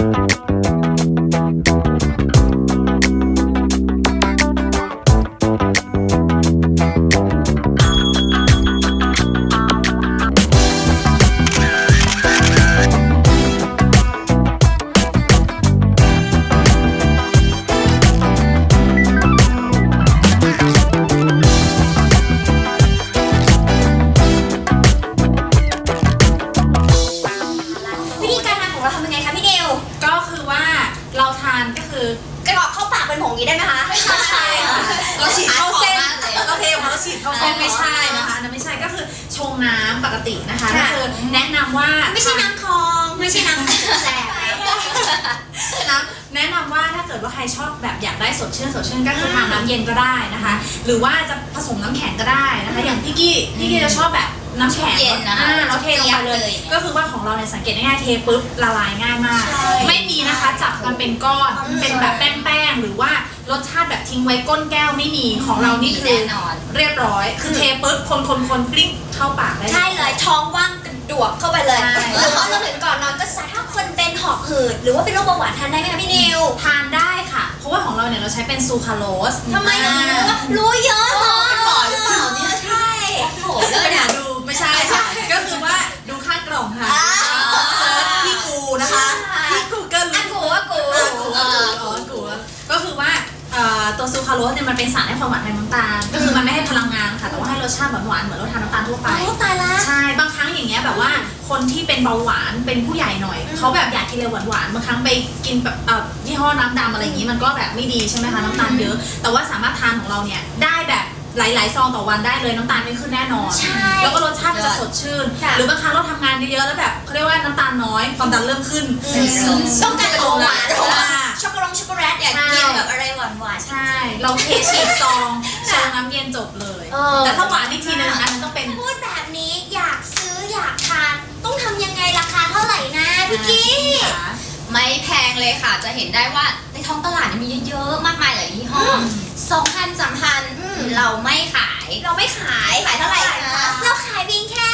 กรอกเข้าปากเป็นผงนี้ได้ไหมคะไม่ใช่ค่ะเราฉีดเข้าเส้นเราเทออกมาเราฉีดเข้าเส้นไม่ใช่นะคะนั่นไม่ใช่ก็คือชงน้ำปกตินะคะก็คือแนะนำว่าไม่ใช่น้ำคลองไม่ใช่น้ำแสบนะแนะนำว่าถ้าเกิดว่าใครชอบแบบอยากได้สดชื่นก็คือทานน้ำเย็นก็ได้นะคะหรือว่าจะผสมน้ำแข็งก็ได้นะคะอย่างพี่กี้จะชอบแบบน้ำแข็งเราเทลงไปเลยก็คือว่าของเราเนี่ยสังเกตง่ายๆเทปุ๊บละลายง่ายมากไม่มีนะคะจับกันเป็นก้อนเป็นแบบแป้งๆหรือว่ารสชาติแบบทิ้งไว้ก้นแก้วไม่มีของเรานี่คือเรียบร้อยคือเทปุ๊บคนกลิ้งเข้าปากได้ใช่เลยท้องว่างกระดวกเข้าไปเลยหรือว่าเราถึงก่อนนอนก็ถ้าคนเป็นหอบหืดหรือว่าเป็นโรคเบาหวานทานได้ไหมคะพี่นิวทานได้ค่ะเพราะว่าของเราเนี่ยเราใช้เป็นซูคราโลสทำไมรู้เยอะเนาะเป็นหมอหรือเปล่าเนี่ยใช่โหเลยนะดูไม่ใช่ค่ะก็คือว่าดูข้างกล่องค่ะเซิร์ชพี่กูนะคะพี่กูเกิลกูก็คือว่าตัวซูคราโลสเนี่ยมันเป็นสารให้ความหวานแทนน้ำตาลก็คือมันไม่ให้พลังงานค่ะแต่ว่าให้รสชาติหวานเหมือนเราทานน้ำตาลทั่วไปตายละใช่บางครั้งอย่างเงี้ยแบบว่าคนที่เป็นเบาหวานเป็นผู้ใหญ่หน่อยเขาแบบอยากกินอะไรหวานบางครั้งไปกินแบบยี่ห้อน้ำดำอะไรอย่างงี้มันก็แบบไม่ดีใช่ไหมคะน้ำตาลเยอะแต่ว่าสามารถทานของเราเนี่ยได้แบบหลายๆซองต่อวันได้เลยน้ำตาลไม่ขึ้นแน่นอนแล้วก็รสชาติจะสดชื่นหรือบางครั้งเราทำงานเยอะๆแล้วแบบเขาเรียกว่าน้ำตาลน้อยความดันเริ่มขึ้นต้องการของหวานช็อกโกแลตอยากกินแบบอะไรหวานใช่เราเทฉีดซองชงน้ำเย็นจบเลยแต่ถ้าหวานอีกทีนึงอันนั้นต้องเป็นพูดแบบนี้อยากซื้ออยากทานต้องทำยังไงราคาเท่าไหร่นะพี่กี้ไม่แพงเลยค่ะจะเห็นได้ว่าในท้องตลาดมีเยอะมากมายหลายยี่ห้อ2,000 3,000เราไม่ขายเท่าไหร่คะเราขายเพียงแค่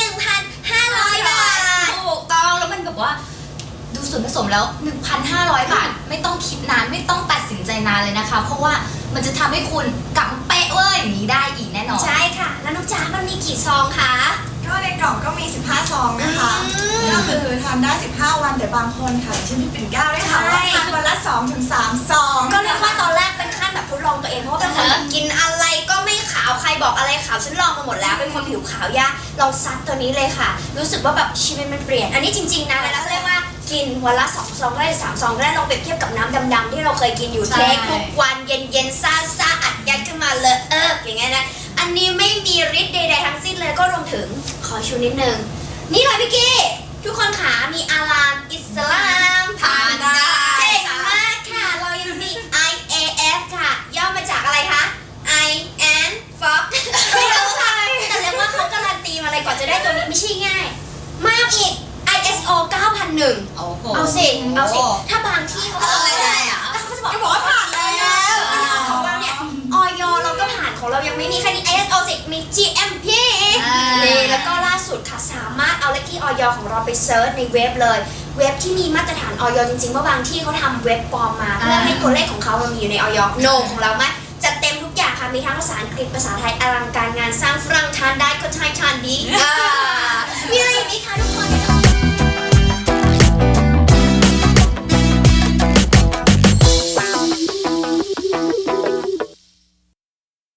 1,500 บาทถูกต้องแล้วมันแบบว่าดูส่วนผสมแล้ว 1,500 บาทไม่ต้องคิดนานไม่ต้องตัดสินใจนานเลยนะคะเพราะว่ามันจะทำให้คุณกลับมาเป๊ะเว้ยอย่างนี้ได้อีกแน่นอนใช่ค่ะแล้วนุ๊กจ๋ามันมีกี่ซองคะก็ในกล่องก็มี15ซองนะคะก็คือทานได้15วันแต่บางคนค่ะเช่นพี่ปิ่นเกล้าได้ค่ะว่าทานวันละ2-3 ซองก็เรียกว่าตอนแรกเป็นขั้นแบบทดลองตัวเองเพราะว่าเป็นคนกินอะไรก็ไม่ขาวใครบอกอะไรขาวฉันลองมาหมดแล้วเป็นคนผิวขาวยากลองซัดตัวนี้เลยค่ะรู้สึกว่าแบบชีวิตมันเปลี่ยนอันนี้จริงๆนะเวลาเขาเรียกว่ากินวันละ2 ซองก็ได้3 ซองก็ได้ลองเปรียบเทียบกับน้ำดำๆที่เราเคยกินอยู่เทคทุกวันเย็นๆซ่าอัดยัดขึ้นมาเลยอย่างเงี้ยนะอันนี้ไม่มีฤทธิ์ใดๆทั้งสิ้นเลยก็รวมถึงขอชูนิดนึงนี่เลยพี่กี้ทุกคนขามีอาลามอิสลามทานได้เก่งมากค่ะเรายังมี IAF ค่ะย่อมาจากอะไรคะ I and Fox ไม่รู้ค่ะแต่เรียกว่าเขาการันตีมาอะไรก่อนจะได้ตัวนี้ไม่ใช่ง่ายมากอีก ISO 9001เอาสิถ้าบางที่เขาอะไรอ่ะเขาจะบอกว่าผ่านแล้วของเราเนี่ยออยเราก็ผ่านของเรายังไม่มีแค่นี้ ISO 10มี GMP แล้วก็ล่าสุดค่ะสามารถเอาเลขที่ออยของเราไปเซิร์ชในเว็บเลยเว็บที่มีมาตรฐานออยจริงๆว่าบางที่เขาทำเว็บปลอมมาเพื่อให้ตัวเลขของเขามันมีอยู่ในออยโนของเราไหมจัดเต็มทุกอย่างค่ะมีทั้งภาษาอังกฤษภาษาไทยอลังการงานสร้างฝรั่งทานได้คนไทยทานดีมีอะไรอย่างนี้ค่ะทุกคน